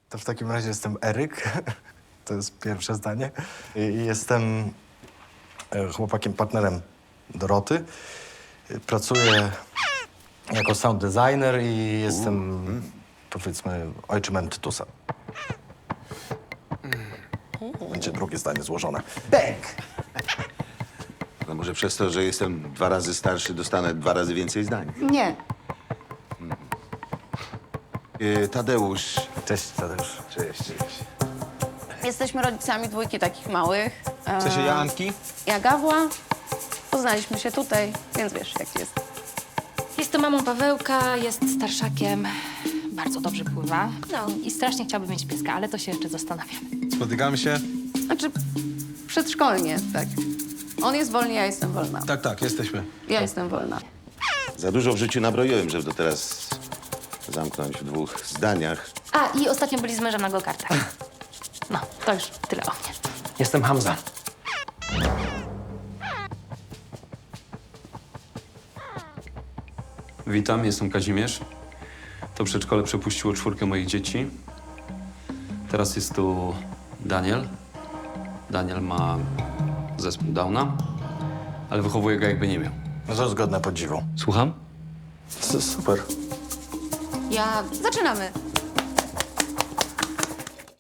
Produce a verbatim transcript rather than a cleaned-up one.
To w takim razie jestem Eryk. To jest pierwsze zdanie. I jestem e, chłopakiem, partnerem Doroty. Y, Pracuję jako sound designer i jestem, powiedzmy, ojczymem Tytusa. Będzie drugie zdanie złożone. Bęk! No może przez to, że jestem dwa razy starszy, dostanę dwa razy więcej zdań. Nie. Yy, Tadeusz. Cześć, Tadeusz. Cześć, cześć. Jesteśmy rodzicami dwójki takich małych. W sensie ja Anki? Ja Gawła. Poznaliśmy się tutaj, więc wiesz, jak jest. Jest mamą Pawełka, jest starszakiem, bardzo dobrze pływa. No i strasznie chciałby mieć pieska, ale to się jeszcze zastanawiam. Spotykamy się? Znaczy, przedszkolnie, tak. On jest wolny, ja jestem wolna. Tak, tak, jesteśmy. Ja jestem wolna. Za dużo w życiu nabroiłem, żeby to teraz zamknąć w dwóch zdaniach. A, i ostatnio byli z mężem na go-kartach. No, to już tyle o mnie. Jestem Hamza. Witam, jestem Kazimierz. To przedszkole przepuściło czwórkę moich dzieci. Teraz jest tu Daniel. Daniel ma zespół Downa, ale wychowuje go jakby nie miał. No to zgodne podziwu. Słucham? S- Super. Ja... Zaczynamy.